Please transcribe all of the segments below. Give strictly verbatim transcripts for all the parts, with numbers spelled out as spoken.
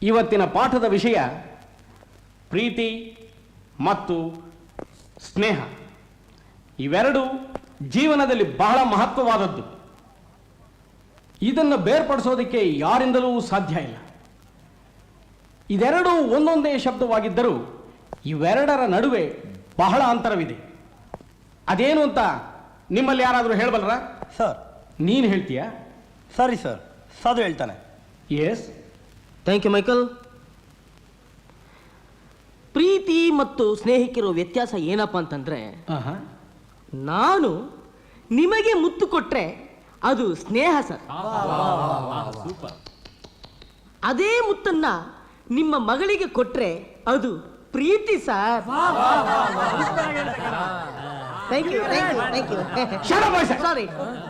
ಇವತ್ತಿನ ಪಾಠದ ವಿಷಯ ಪ್ರೀತಿ ಮತ್ತು ಸ್ನೇಹ. ಇವೆರಡು ಜೀವನದಲ್ಲಿ ಬಹಳ ಮಹತ್ವವಾದದ್ದು. ಇದನ್ನು ಬೇರ್ಪಡಿಸೋದಕ್ಕೆ ಯಾರಿಂದಲೂ ಸಾಧ್ಯ ಇಲ್ಲ. ಇದೆರಡೂ ಒಂದೊಂದೇ ಶಬ್ದವಾಗಿದ್ದರೂ ಇವೆರಡರ ನಡುವೆ ಬಹಳ ಅಂತರವಿದೆ. ಅದೇನು ಅಂತ ನಿಮ್ಮಲ್ಲಿ ಯಾರಾದರೂ ಹೇಳಬಲ್ಲರ? ಸರ್. ನೀನು ಹೇಳ್ತೀಯಾ? ಸರಿ ಸರ್, ಸಾಧು ಹೇಳ್ತಾನೆ. Yes, thank you Michael. ಪ್ರೀತಿ ಮತ್ತು ಸ್ನೇಹಕ್ಕಿರೋ ವ್ಯತ್ಯಾಸ ಏನಪ್ಪ ಅಂತಂದ್ರೆ, ನಾನು ನಿಮಗೆ ಮುತ್ತು ಕೊಟ್ರೆ ಅದು ಸ್ನೇಹ ಸರ್. ಅದೇ ಮುತ್ತನ್ನ ನಿಮ್ಮ ಮಗಳಿಗೆ ಕೊಟ್ರೆ ಅದು ಪ್ರೀತಿ sir. Thank you thank you sorry.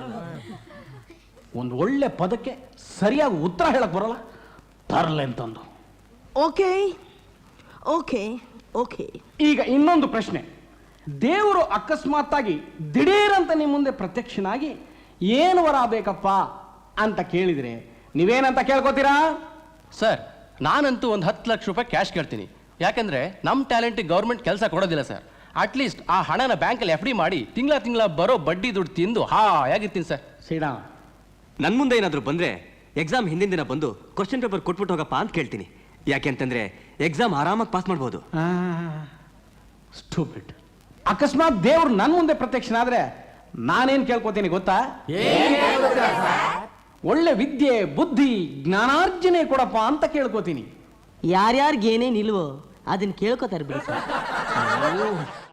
ಒಂದು ಒಳ್ಳೆ ಪದಕ್ಕೆ ಸರಿಯಾಗಿ ಉತ್ತರ ಹೇಳಕ್ ಬರಲ್ಲ, ತರಲೆ ಅಂತಂದು. Okay okay okay. ಈಗ ಇನ್ನೊಂದು ಪ್ರಶ್ನೆ. ದೇವರು ಅಕಸ್ಮಾತ್ತಾಗಿ ದಿಢೀರಂತ ನಿಮ್ಮ ಮುಂದೆ ಪ್ರತ್ಯಕ್ಷನಾಗಿ ಏನು ವರ ಬೇಕಪ್ಪ ಅಂತ ಕೇಳಿದ್ರೆ ನೀವೇನಂತ ಕೇಳ್ಕೊತೀರಾ? ಸರ್, ನಾನಂತೂ ಒಂದು ಹತ್ತು ಲಕ್ಷ ರೂಪಾಯಿ ಕ್ಯಾಶ್ ಕೇಳ್ತೀನಿ. ಯಾಕಂದ್ರೆ ನಮ್ಮ ಟ್ಯಾಲೆಂಟಿಗೆ ಗೌರ್ಮೆಂಟ್ ಕೆಲಸ ಕೊಡೋದಿಲ್ಲ ಸರ್. ಅಟ್ಲೀಸ್ಟ್ ಆ ಹಣನ ಬ್ಯಾಂಕಲ್ಲಿ ಎಫ್ ಡಿ ಮಾಡಿ ತಿಂಗಳ ತಿಂಗಳ ಬರೋ ಬಡ್ಡಿ ದುಡ್ಡು ತಿಂದು ಹಾಯಾಗಿರ್ತೀನಿ ಸರ್. ಸೀಡಾ, ನನ್ನ ಮುಂದೆ ಏನಾದರೂ ಬಂದರೆ ಎಕ್ಸಾಮ್ ಹಿಂದಿನ ದಿನ ಬಂದು ಕ್ವಶನ್ ಪೇಪರ್ ಕೊಟ್ಬಿಟ್ಟು ಹೋಗಪ್ಪ ಅಂತ ಕೇಳ್ತೀನಿ. ಯಾಕೆ ಅಂತಂದರೆ ಎಕ್ಸಾಮ್ ಆರಾಮಾಗಿ ಪಾಸ್ ಮಾಡ್ಬೋದು. ಸ್ಟೂಪಿಡ್. ಅಕಸ್ಮಾತ್ ದೇವ್ರು ನನ್ನ ಮುಂದೆ ಪ್ರತ್ಯಕ್ಷನಾದ್ರೆ ನಾನೇನು ಕೇಳ್ಕೊತೀನಿ ಗೊತ್ತಾ? ಒಳ್ಳೆ ವಿದ್ಯೆ, ಬುದ್ಧಿ, ಜ್ಞಾನಾರ್ಜನೆ ಕೊಡಪ್ಪ ಅಂತ ಕೇಳ್ಕೊತೀನಿ. ಯಾರ್ಯಾರಿಗೇನೇ ನಿಲ್ವೋ ಅದನ್ನ ಕೇಳ್ಕೊತಾರೆ ಬಿಡಿ ಸರ್.